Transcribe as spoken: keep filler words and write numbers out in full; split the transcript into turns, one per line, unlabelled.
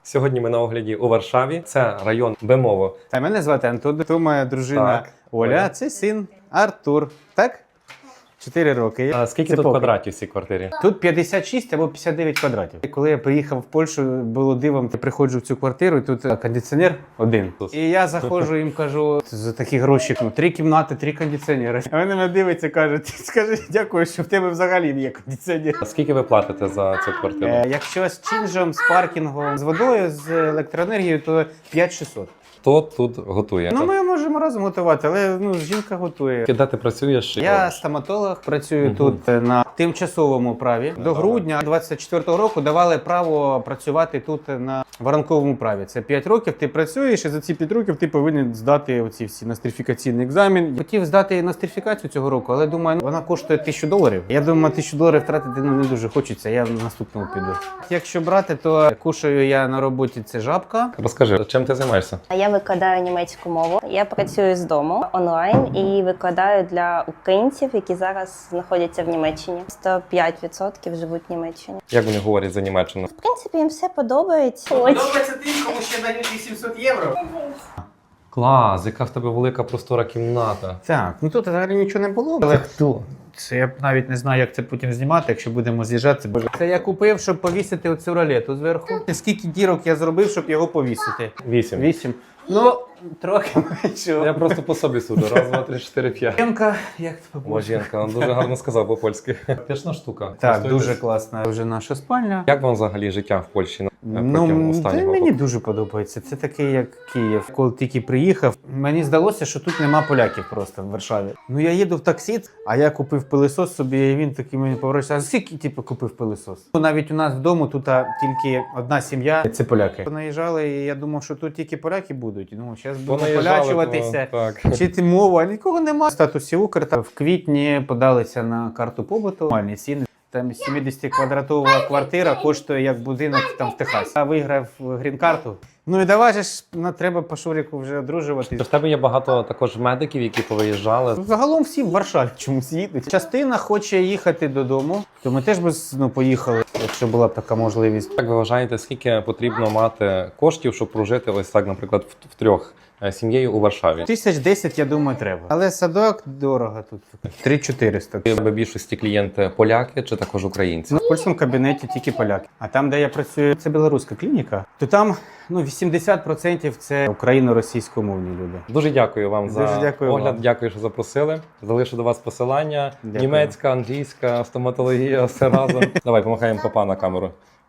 Сьогодні ми на огляді у Варшаві. Це район Бемово.
Та мене звати Антон, то моя дружина
Так.
Оля,
Оля.
а це син Артур. Так? Чотири роки.
А скільки
Це
тут
поки.
квадратів в цій квартирі?
Тут п'ятдесят шість або п'ятдесят дев'ять квадратів. І коли я приїхав в Польщу, було дивом, я приходжу в цю квартиру, і тут кондиціонер один. І я заходжу їм кажу, за такі гроші, ну, три кімнати, три кондиціонери. А вони мене дивляться, кажуть, скажи, дякую, що в тебе взагалі є кондиціонер.
А скільки ви платите за цю квартиру?
Е, якщо з чинжем, з паркінгом, з водою, з електроенергією, то п'ять шістсот.
Хто тут готує?
Ну, ми можемо разом готувати, але ну, жінка готує.
Де ти працюєш?
Я стоматолог, працюю
Мгм.
тут е, на тимчасовому праві. До грудня двадцять четвертого року давали право працювати тут на воронковому праві. Це п'ять років ти працюєш, і за ці п'ять років ти повинен здати оці всі нострифікаційний екзамен. Хотів здати нострифікацію цього року, але думаю, ну, вона коштує тисячу доларів. Я думаю, тисячу доларів втратити ну, не дуже хочеться, я в наступному піду. Якщо брати, то кушаю я на роботі це жабка.
Розкажи, чим ти займаєшся?
Я викладаю німецьку мову. Я працюю з дому онлайн і викладаю для українців, які зараз знаходяться в Німеччині. сто п'ять відсотків живуть в Німеччині.
Як вони говорять за Німеччину?
В принципі, їм все подобається.
Подобається тим, кому ще дають вісімсот євро.
Клас, яка в тебе велика простора кімната.
Так, ну тут взагалі нічого не було. Але хто? Це я навіть не знаю, як це потім знімати, якщо будемо з'їжджати. Боже. Це я купив, щоб повісити оцю ролету зверху. Скільки дірок я зробив, щоб його повісити?
Вісім.
Вісім. Ну, трохи менше.
Я просто по собі суджу. Раз, два, три, чотири, п'ять.
Жінка, як це по
О, жінка, він дуже гарно сказав по-польськи. Пішна штука.
Так,
Користуєтесь?
дуже класна. Вже наша спальня.
Як вам взагалі життя в Польщі протягом
Ну,
останнього
та мені
року?
дуже подобається. Це такий, як Київ. Коли тільки приїхав, мені здалося, що тут нема поляків просто в Варшаві. Ну я їду в таксі, а я купив пилисос собі, і він такий мені поворачується. А скільки типу, купив пилисос? Навіть у нас вдома тут а, тільки одна сім'я, це поляки. Наїжджали, і я думав, що тут тільки поляки будуть. Ну, зараз будемо
Понаїжджали,
полячуватися.
то- так.
Вчити мову, а нікого нема. В статусі Укр та в квітні подалися на карту побуту. Нормальні ціни. Там сімдесят-квадратова квартира коштує як будинок там в Техасі. Я виграв грін-карту. Ну і давай же ж на треба по Шуріку вже одружуватись.
В тебе є багато також медиків, які повиїжджали.
Загалом всі в Варшаві чомусь їдуть. Частина хоче їхати додому, то ми теж би ну, поїхали, якщо була б така можливість.
Як ви вважаєте, скільки потрібно мати коштів, щоб прожити ось так, наприклад, в, в трьох е, сім'єю у Варшаві?
Тисяч десять, я думаю, треба. Але садок дорого тут. три чотириста.
В більшості клієнти поляки чи також українці?
Ну, в польському кабінеті тільки поляки. А там, де я працюю, це білоруська клініка, то там ну, вісімдесят відсотків це україно-російськомовні люди.
Дуже дякую вам
Дуже
за
дякую
огляд.
вам.
Дякую, що запросили. Залишу до вас посилання.
Дякую.
Німецька, англійська, стоматологія, все разом. Давай, помахаємо папа на камеру.